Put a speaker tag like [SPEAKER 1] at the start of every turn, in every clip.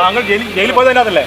[SPEAKER 1] താങ്കൾ ജയിലിൽ പോയതല്ലേ?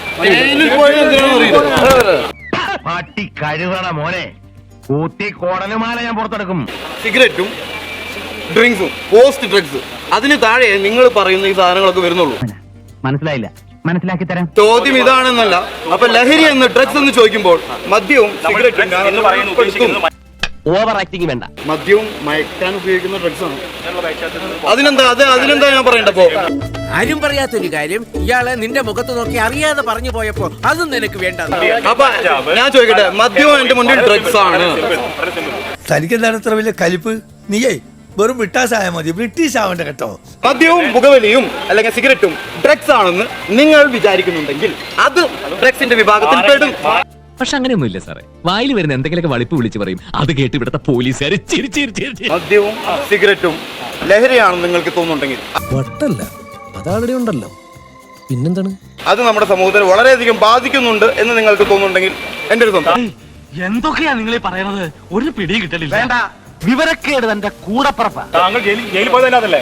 [SPEAKER 2] പട്ടി കഴിവണ മോനെ കൂത്തി കോടലുമാല ഞാൻ പുറത്തെടുക്കും.
[SPEAKER 3] സിഗരറ്റും ഡ്രിങ്ക്സും പോസ്റ്റ് ഡ്രഗ്സ് അതിന് താഴെ നിങ്ങൾ പറയുന്ന ഈ സാധനങ്ങളൊക്കെ വരുന്നുള്ളൂ.
[SPEAKER 2] മനസ്സിലായില്ല, മനസ്സിലാക്കി തരാം.
[SPEAKER 3] ചോദ്യം ഇതാണെന്നല്ല. അപ്പൊ ലഹരി എന്ന് ഡ്രഗ്സ് എന്ന് ചോദിക്കുമ്പോൾ മദ്യവും സിഗരറ്റും
[SPEAKER 2] ഓവർ ആക്ടിങ് വേണ്ട.
[SPEAKER 3] മദ്യവും മയക്കാൻ ഉപയോഗിക്കുന്ന ഡ്രഗ്സ് ആണ്. അതിനെന്താ ഞാൻ പറയണ്ടപ്പോ
[SPEAKER 4] ആരും പറയാത്തൊരു കാര്യം ഇയാളെ നിന്റെ മുഖത്ത് നോക്കി അറിയാതെ പറഞ്ഞു പോയപ്പോ അതും നിനക്ക് വേണ്ട.
[SPEAKER 3] അപ്പൊ ഞാൻ ചോദിക്കട്ടെ, മദ്യവും എന്റെ മുന്നിൽ ഡ്രഗ്സ് ആണ്.
[SPEAKER 5] തനിക്കെന്താണ് ഇത്ര വലിയ കലിപ്പ്? നീയേ വെറും ബ്രിട്ടാസായ മതി, ബ്രിട്ടീഷ് ആവണ്ട കേട്ടോ.
[SPEAKER 3] മദ്യവും പുകവലിയും അല്ലെങ്കിൽ സിഗരറ്റും ഡ്രഗ്സ് ആണെന്ന് നിങ്ങൾ വിചാരിക്കുന്നുണ്ടെങ്കിൽ അത് ഡ്രഗ്സിന്റെ വിഭാഗത്തിൽ പെടും.
[SPEAKER 6] പക്ഷെ അങ്ങനെയൊന്നുമില്ല സാറേ. വായിൽ വരുന്ന എന്തെങ്കിലുമൊക്കെ വളിപ്പ് വിളിച്ച് പറയും. അത് കേട്ട് ഇവിടുത്തെ പോലീസുകാർ
[SPEAKER 3] മദ്യവും സിഗരറ്റും ലഹരിയാണെന്ന് നിങ്ങൾക്ക് തോന്നുന്നുണ്ടെങ്കിൽ
[SPEAKER 7] വട്ടല്ല, അതാളുടെ ഉണ്ടല്ലോ, പിന്നെന്താണ്?
[SPEAKER 3] അത് നമ്മുടെ സമൂഹത്തിൽ വളരെയധികം ബാധിക്കുന്നുണ്ട് എന്ന് നിങ്ങൾക്ക് തോന്നുന്നുണ്ടെങ്കിൽ എന്റെ ഒരു സ്വന്തം.
[SPEAKER 2] എന്തൊക്കെയാ നിങ്ങൾ പറയുന്നത്? ഒരു പിടിയും കിട്ടലില്ല. വേണ്ട, വിവരക്കേട് തന്റെ കൂടപ്പുറപ്പാ.
[SPEAKER 1] താങ്കൾ ജയിലിൽ പോയതല്ലേ?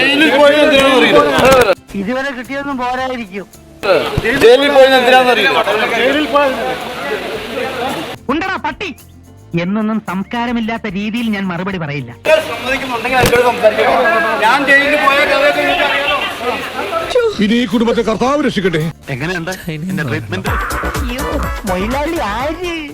[SPEAKER 2] ഇതുവരെ കിട്ടിയൊന്നും പോരായിരിക്കും.
[SPEAKER 3] ജയിലിൽ പോയത് എന്തിനാണെന്നറിയില്ല.
[SPEAKER 2] ഉണ്ടടാ പട്ടി എന്നൊന്നും സംസ്കാരമില്ലാത്ത രീതിയിൽ ഞാൻ മറുപടി പറയില്ല.
[SPEAKER 3] സമ്മതിക്കുന്നുണ്ടെങ്കിൽ എന്നോട് സംസാരിക്കാം. ഞാൻ ജയിലിൽ പോയ കഥയൊക്കെ എനിക്കറിയാലോ.
[SPEAKER 7] ഇനി ഈ കുടുംബത്തെ കർത്താവ് രക്ഷിക്കട്ടെ.
[SPEAKER 2] എങ്ങനെയുണ്ട് എന്റെ ട്രീറ്റ്മെന്റ്? മൊയിലാളി ആര്?